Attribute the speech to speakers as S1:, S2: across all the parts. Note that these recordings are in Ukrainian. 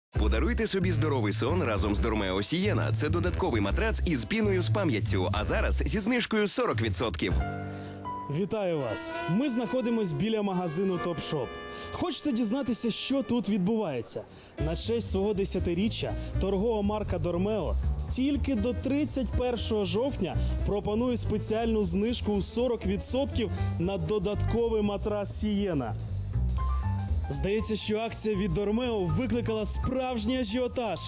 S1: Подаруйте собі здоровий сон разом з Dormeo Sienna. Це додатковий матрац із піною з пам'яттю, а зараз зі знижкою 40%.
S2: Вітаю вас! Ми знаходимось біля магазину Topshop. Хочете дізнатися, що тут відбувається? На честь свого 10-річчя торгова марка Dormeo тільки до 31 жовтня пропонує спеціальну знижку у 40% на додатковий матрас Sienna. Здається, що акція від Dormeo викликала справжній ажіотаж.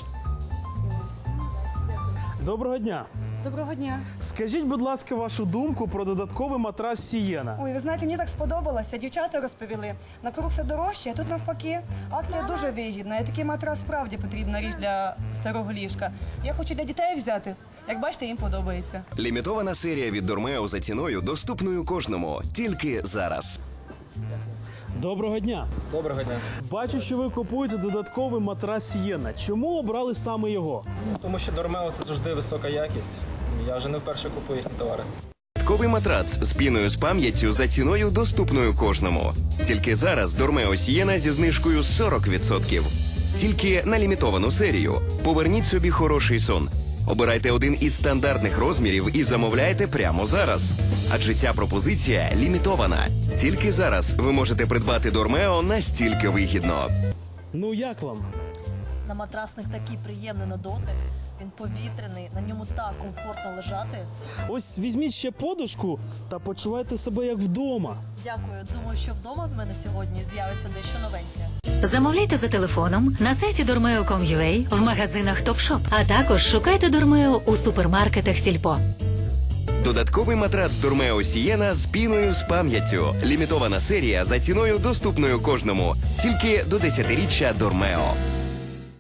S2: Доброго дня!
S3: Доброго дня.
S2: Скажіть, будь ласка, вашу думку про додатковий матрас Sienna.
S3: Ой, ви знаєте, мені так сподобалося. Дівчата розповіли. Навкруг все дорожче, а тут навпаки. Акція дуже вигідна. І такий матрас справді потрібна річ для старого ліжка. Я хочу для дітей взяти. Як бачите, їм подобається.
S1: Лімітована серія від Dormeo за ціною, доступною кожному. Тільки зараз.
S2: Доброго дня!
S4: Доброго дня.
S2: Бачу, що ви купуєте додатковий матрас Sienna. Чому обрали саме його?
S4: Тому що Dormeo – це завжди висока якість. Я вже не вперше купую їхні товари.
S1: Додатковий матрац з піною з пам'яттю за ціною, доступною кожному. Тільки зараз Dormeo Sienna зі знижкою 40%. Тільки на лімітовану серію. Поверніть собі хороший сон. Обирайте один із стандартних розмірів і замовляйте прямо зараз. Адже ця пропозиція лімітована. Тільки зараз ви можете придбати Dormeo настільки вигідно.
S2: Ну як вам?
S5: На матрасних такий приємний на дотик. Він повітряний, на ньому так комфортно лежати.
S2: Ось візьміть ще подушку та почувайте себе як вдома.
S5: Дякую. Думаю, що вдома в мене сьогодні з'явиться дещо новеньке.
S6: Замовляйте за телефоном на сайті dormeo.com.ua, в магазинах Topshop, а також шукайте Dormeo у супермаркетах Сільпо.
S1: Додатковий матрац Dormeo Sienna з піною з пам'яттю. Лімітована серія за ціною, доступною кожному. Тільки до 10-річчя Dormeo.